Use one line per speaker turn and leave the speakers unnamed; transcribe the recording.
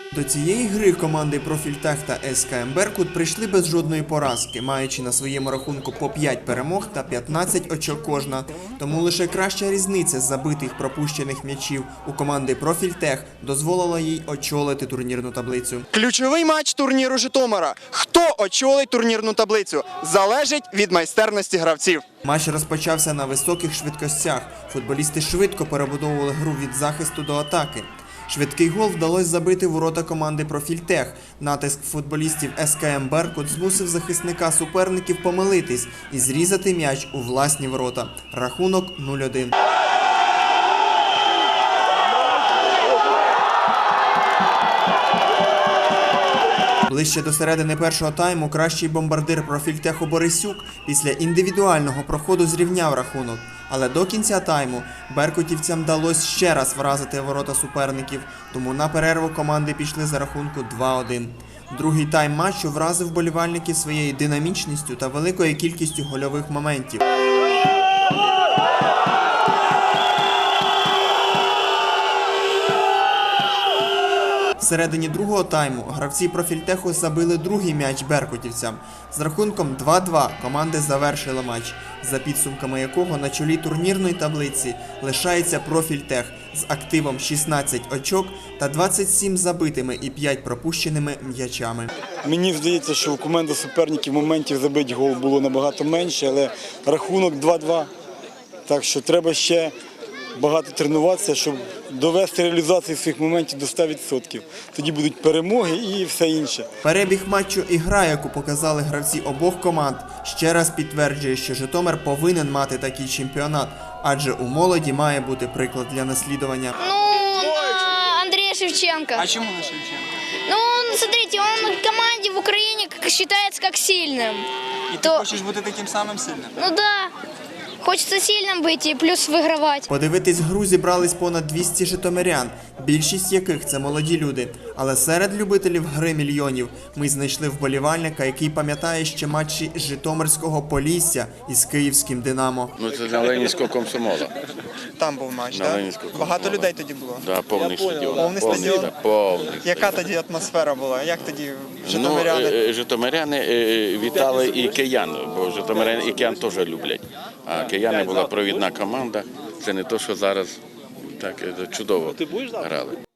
До цієї гри команди «Профільтех» та СКМ «Беркут» прийшли без жодної поразки, маючи на своєму рахунку по 5 перемог та 15 очок кожна. Тому лише краща різниця з забитих пропущених м'ячів у команди «Профільтех» дозволила їй очолити турнірну таблицю.
Ключовий матч турніру Житомира. Хто очолить турнірну таблицю? Залежить від майстерності гравців.
Матч розпочався на високих швидкостях. Футболісти швидко перебудовували гру від захисту до атаки. Швидкий гол вдалося забити в ворота команди «Профільтех». Натиск футболістів СКМ «Беркут» змусив захисника суперників помилитись і зрізати м'яч у власні ворота. Рахунок 0-1. Ближче до середини першого тайму кращий бомбардир «Профільтеху» Борисюк після індивідуального проходу зрівняв рахунок. Але до кінця тайму беркутівцям вдалося ще раз вразити ворота суперників, тому на перерву команди пішли за рахунку 2-1. Другий тайм матчу вразив вболівальників своєю динамічністю та великою кількістю гольових моментів. Всередині другого тайму гравці «Профільтеху» забили другий м'яч беркутівцям. З рахунком 2-2 команди завершили матч, за підсумками якого на чолі турнірної таблиці лишається «Профільтех» з активом 16 очок та 27 забитими і 5 пропущеними м'ячами.
Мені здається, що у команди суперників моментів забити гол було набагато менше, але рахунок 2-2. Так що треба ще багато тренуватися, щоб довести реалізацію своїх моментів до 100%. Тоді будуть перемоги і все інше.
Перебіг матчу і гра, яку показали гравці обох команд, ще раз підтверджує, що Житомир повинен мати такий чемпіонат, адже у молоді має бути приклад для наслідування.
Андрей Шевченко.
А чому на Шевченко?
Смотрите, он в команде в Украине считается как сильным.
І ти хочеш бути таким самим сильним?
Да. Хочется сильным быть и плюс выигрывать.
Подивитись гру зібрались понад 200 житомирян, більшість яких це молоді люди. Але серед любителів гри мільйонів ми знайшли вболівальника, який пам'ятає ще матчі Житомирського Полісся із київським «Динамо».
Це на Ленінського комсомола.
Там був матч,
На
так?
Ленінського
Багато
комсомола.
людей тоді було?
Да, повний стадіон.
Повний стадіон?
Повний.
Яка тоді атмосфера була? Як тоді житомиряни?
Житомиряни вітали і киян, бо житомиряни і киян теж люблять. А кияни була провідна команда. Це не те, що зараз так чудово грали.